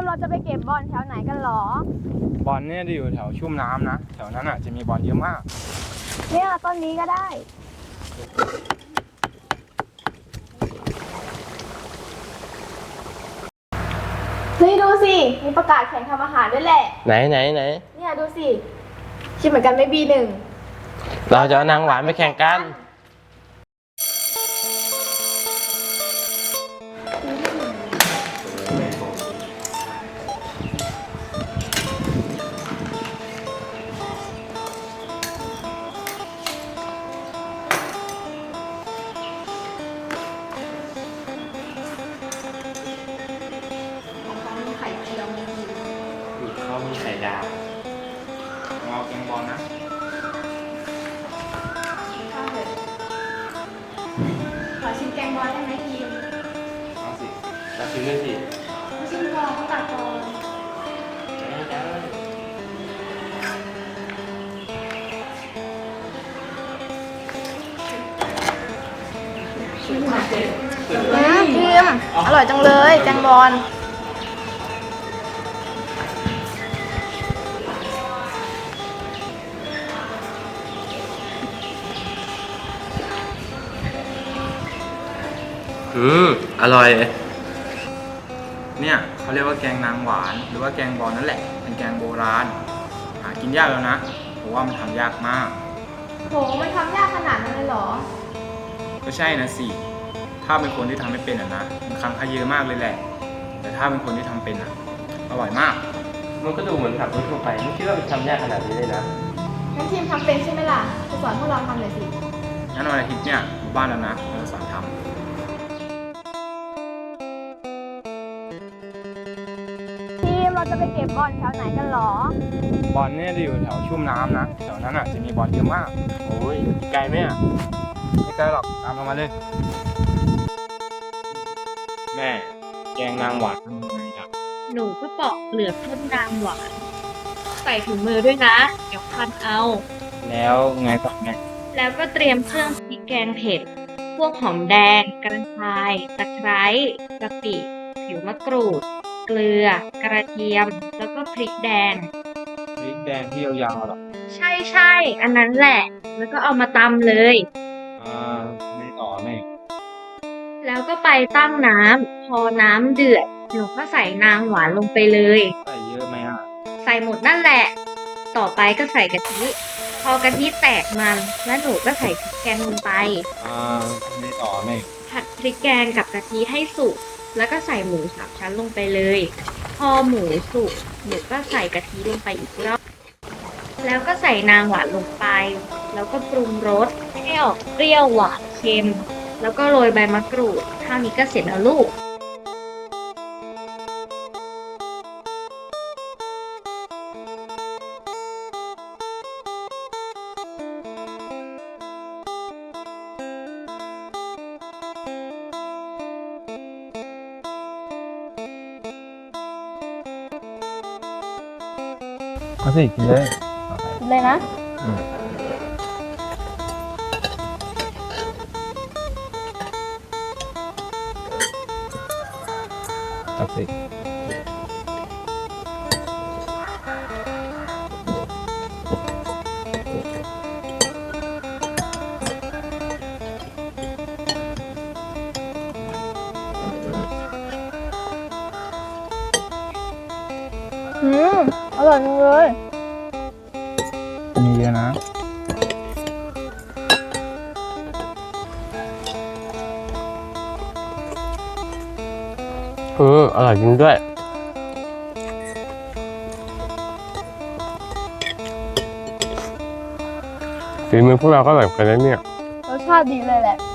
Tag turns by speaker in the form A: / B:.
A: เราจะไปเก็บบอลแถวไหนกันหร
B: บอลเนี่ยจะอยู่แถวชุ่มน้ำนะแถวนั้นอ่ะจะมีบอลเยอะมาก
A: เนี่ยต้นนี้ก็ได้เฮ้ยดูสิมีประกาศแข่งทำอาหารด้วยแหละ
C: ไหน
A: เนี่ยดูสิคิดเหมือนกันไม่B1
C: เราจะเอานางหวานไปแข่งกัน
A: ไข่เจียวมี
C: เขามีไข่ดาว
B: เอาแกงบอลนะ
A: ข้าวเลยขอชิมแกงบอลได้ไหมทีม
B: เอาสิ
C: เราชิมด้วยสิ
A: ไม่ชิมก่อนเขาตัดก่อนทีมอร่อยจังเลยแกงบอล
C: อร่อย
B: เนี่ยเขาเรียกว่าแกงนางหวานหรือว่าแกงบอลนั่นแหละเป็นแกงโบราณหากินยากแล้วนะเพราะว่ามันทำยากมาก
A: โหมันทำยากขนาดนั้นเลยเหรอ
B: ก็ใช่นะสิถ้าเป็นคนที่ทำไม่เป็นนะมันคำขยเยอะมากเลยแหละแต่ถ้าเป็นคนที่ทำเป็นอร่อยมาก
C: มันก็ดูเหมือนขับรถทั่วไปไม่คิดว่ามันทำยากขนาดนี้เลยนะ
A: งั้นทีมทำเป็นใช่ไหมล่ะจะสอนพวกเราทำหน่อยสิ
B: งั้นวันอาทิตย์เนี่ยบ้านแล้วนะเราสอนทำ
A: ทีมเราจะไปเก็บบอลแถวไหนกันหร
B: บอลเนี่ยจะอยู่แถวชุ่มน้ำนะแถวนั้นอ่ะจะมีบอลเยอะมาก
C: โอ้ยไกลไหมอ่ะ
B: ไม่ไกลหรอกตามเรามาเลยแม่แกงนางหวานทำยังไงครับ
D: หนูก็ปอกเปลือกต้นนางหวานใส่ถุงมือด้วยนะเดี๋ยวคันเอา
B: แล้วไงต่อแม่
D: แล้วก็เตรียมเครื่องพริกแกงเผ็ดพวกหอมแดงกระชายตะไคร้กะปิผิวมะกรูดเกลือกระเทียมแล้วก็พริกแดง
B: พริกแดงที่ยาวๆหรอ
D: ใช่อันนั้นแหละแล้วก็เอามาตำเลย
B: ไม่ต่อแม่
D: แล้วก็ไปตั้งน้ำพอน้ำเดือดหนูก็ใส่นางหวานลงไปเลย
B: ใส่เยอะไหม
D: ใส่หมดนั่นแหละต่อไปก็ใส่กะทิพอกะทิแตกมันแล้วหนูก็ใส่พริกแกงลงไป
B: ไม่ต่อแม่
D: ผัดพริกแกงกับกะทิให้สุกแล้วก็ใส่หมูสามชั้นลงไปเลยพอหมูสุกหนูก็ใส่กะทิลงไปอีกรอบแล้วก็ใส่นางหวานลงไปแล้วก็ปรุงรสให้ออกเปรี้ยวหวานเค็มแล้วก็โรยใบมะกรูดเท่านี้ก็เสร็จแล้วลูก
B: เอาสิกินเลย
A: กินเลยนะ
B: ตักสิ
A: อร่อยจังเลย
B: มีเยอะนะ
C: อร่อยจริงด้วยฝีมือพวกเราก็อร่อยกันแล้วเนี่ย
A: รสชาติดีเลยแหละ